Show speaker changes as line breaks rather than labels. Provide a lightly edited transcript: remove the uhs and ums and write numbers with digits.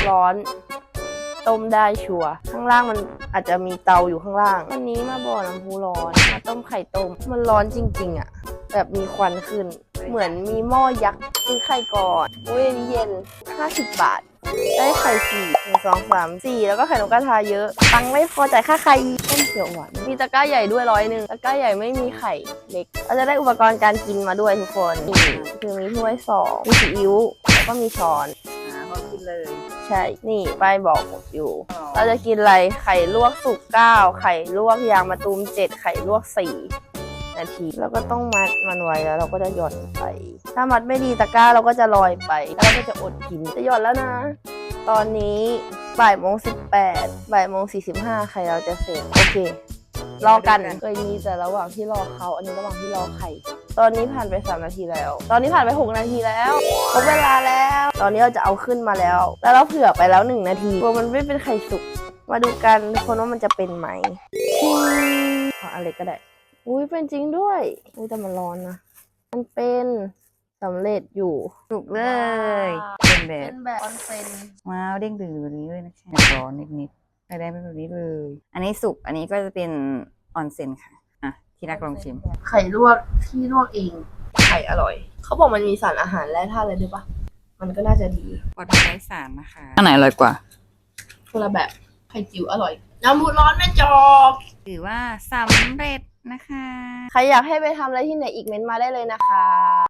ร้อนต้มได้ชัวร์ข้างล่างมันอาจจะมีเตาอยู่ข้างล่างวันนี้มาบ่อน้ำพุร้อนมาต้มไข่ต้มมันร้อนจริงๆอ่ะแบบมีควันขึ้นเหมือนมีหม้อยักษ์ซื้อไข่ก่อนอุ้ยอันนี้เย็น50 บาทได้ไข่4 1 2 3 4แล้วก็ไข่นกกระทาเยอะตังค์ไม่พอจ่ายค่าไข่ต้มเขียวหวานมีตะกร้าใหญ่ด้วย100ตะกร้าใหญ่ไม่มีไข่เล็กเราจะได้อุปกรณ์การกินมาด้วยทุกคนนี่คือมีถ้วย2มีซีอิ๊วแล้วก็มีช้อน
พอกินเลย
ใช่นี่ป้ายบอกอยู่เราจะกินอะไรไข่ลวกสุก9ไข่ลวกยางมะตูม7ไข่ลวก4 นาทีแล้วก็ต้องมัดมันไว้แล้วเราก็จะหย่อนไปถ้ามัดไม่ดีตะกร้าเราก็จะลอยไปแล้วเราก็จะอดกินจะหย่อนแล้วนะตอนนี้บ่ายโมง 18 บ่ายโมง 45ไข่เราจะเสร็จโอเครอกันเคยมีแต่ระหว่างที่รอเขาอันนี้ระหว่างที่รอไข่ตอนนี้ผ่านไป3 นาทีแล้วตอนนี้ผ่านไป6 นาทีแล้วครบเวลาแล้วตอนนี้เราจะเอาขึ้นมาแล้วแล้วเราเผื่อไปแล้ว1 นาทีกลัวมันไม่เป็นไข่สุกมาดูกันทุกคนว่ามันจะเป็นไหมชิงอะไรก็ได้อุ้ยเป็นจริงด้วยอุ้ยแต่มันร้อนนะมันเป็นสำเร็จอยู่
สุกเลยเป็นแบบ
ออนเซน
ว้าวเด้งดึงแบบนี้เลยนะคะร้อนนิดๆได้เป็นแบบนี้เลยอันนี้สุกอันนี้ก็จะเป็นออนเซ็นค่ะอ่ะที่รักลองชิม
ไข่ลวกที่ลวกเองไข่อร่อยเขาบอกมันมีสารอาหารแร่ธาตุอะไรด้วยปะมันก็น่าจะดี
ปลอดภัยไร้สารนะคะอันไหนอร่อยกว่า
คนละแบบไข่จิ๋วอร่อยน้ำพุร้อนแม่จอก
ถือว่าสำเร็จนะคะ
ใครอยากให้ไปทำอะไรที่ไหนอีกเม้นต์มาได้เลยนะคะ